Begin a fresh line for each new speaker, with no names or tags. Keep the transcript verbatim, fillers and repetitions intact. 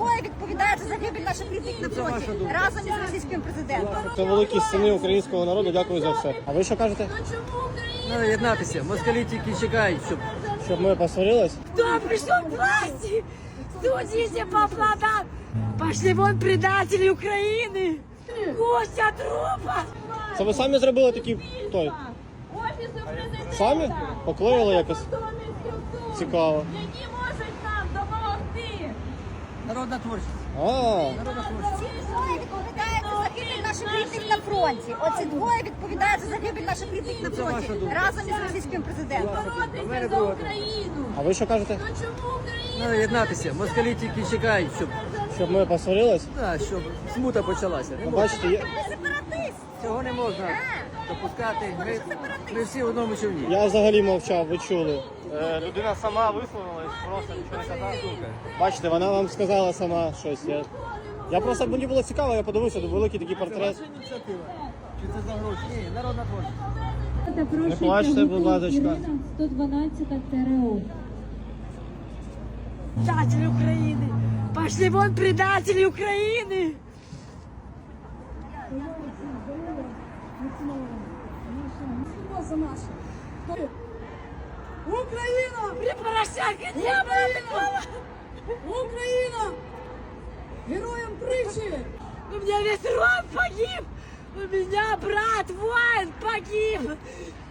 двоє відповідають за загибель наших рідних на фронті разом із російським президентом.
Це великі сини українського народу. Дякую за все. А ви що кажете?
Треба єднатися. Москалі тільки чекають, щоб...
Щоб ми посварились?
Кто пришел к власти? Судите по плодам. Пошли вон предатели Украины. Костя трупа.
Це ви самі зробили такі той? Самі? Поклеїли якось? Цікаво.
Які можуть нам допомогти.
Народна творчість.
А,
Народна творчість.
Двоє відповідають за загибель наших рідних на фронті. Оці двоє відповідають за загибель наших рідних на фронті разом із російським президентом.
Боротися за Україну.
а ви що кажете?
Ну чому Україна?
Треба єднатися. Москалі тільки чекають, щоб...
Щоб ми посварились?
Да, щоб смута почалася. Не
Ну,
можна.
бачите, є...
Ти сепаратист.
Цього не можна допускати. Ми, ми всі в одному човні.
Я взагалі мовчав, ви чули. Е, людина сама висловилась, просто нічого не казала. Бачите, вона вам сказала сама щось. Я, я просто, мені було цікаво, я подивився, великий такий портрет.
Ініціатива. Чи це за гроші? Ні, народна творчість.
Не плачте, будь ласка.
сто дванадцять ТРО.
Предатели Украины. Пошли вон предатели Украины. Украина! При Порошенко не было такого! Украина! Героям притчи! У меня весь род погиб! У меня брат воин погиб!